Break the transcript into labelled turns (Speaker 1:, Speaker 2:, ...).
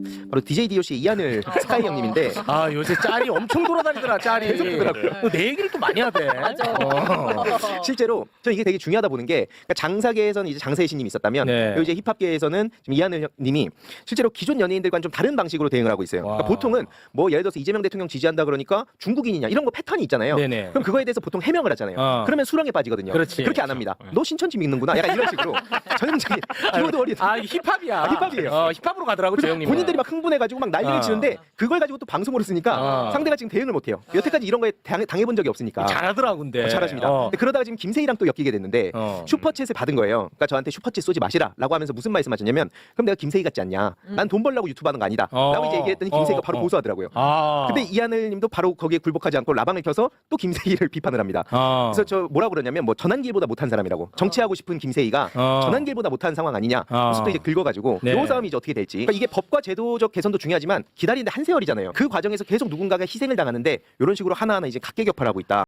Speaker 1: 바로 DJ DOC 이하늘 스카이 형님인데
Speaker 2: 아 요새 짤이 엄청 돌아다니더라 짤이.
Speaker 1: 계속 돌더라고요.
Speaker 2: 내 얘기를 또 많이 하대.
Speaker 3: 맞아.
Speaker 1: 실제로 저는 이게 되게 중요하다 보는 게 그러니까 장사계에서는 이제 장세희 씨님이 있었다면
Speaker 2: 네.
Speaker 1: 이제 힙합계에서는 지금 이하늘 님이 실제로 기존 연예인들과는 좀 다른 방식으로 대응을 하고 있어요. 그러니까
Speaker 2: 와.
Speaker 1: 보통은 뭐 예를 들어서 이재명 대통령 지지한다 그러니까 중국인이냐 이런 거 패턴이 있잖아요.
Speaker 2: 네네.
Speaker 1: 그럼 그거에 대해서 보통 해명을 하잖아요. 그러면 수렁에 빠지거든요.
Speaker 2: 그렇지.
Speaker 1: 그렇게 안 합니다. 너 신천지 믿는구나. 약간 이런 식으로 전형적인 키워드 워리.
Speaker 2: 아 이게 힙합이야.
Speaker 1: 힙합이에요.
Speaker 2: 힙합으로 가더라고 저 형님.
Speaker 1: 본인들이 막 흥분해가지고 막 난리를 치는데 그걸 가지고 또 방송으로 쓰니까 상대가 지금 대응을 못해요. 여태까지 이런 거에 당해본 적이 없으니까.
Speaker 2: 잘하더라고 근데.
Speaker 1: 잘하십니다. 근데 그러다가 지금 김세희랑 또 엮이게 됐는데 슈퍼챗을 받은 거예요. 그러니까 저한테 슈퍼챗 쏘지 마시라라고 하면서 무슨 말씀하셨냐면 그럼 내가 김세희 같지 않냐? 난 돈 벌려고 유튜브 하는 거 아니다. 라고 이제 얘기했더니 김세희가 바로 보수하더라고요. 근데 이하늘님도 바로 거기에 굴복하지 않고 라방을 켜서 또 김세희를 비판을 합니다. 그래서 저 뭐라고 그러냐면 뭐 전환길보다 못한 사람이라고. 정치하고 싶은 김세희가 전환길보다 못한 상황 아니냐. 그래서 또 이제 긁어가지고
Speaker 2: 네.
Speaker 1: 요 싸움이 이제 어떻게 될지. 그러니까 이게 법과 제도적 개선도 중요하지만 기다리는데 한 세월이잖아요. 그 과정에서 계속 누군가가 희생을 당하는데 이런 식으로 하나하나 이제 각계격파를 하고 있다.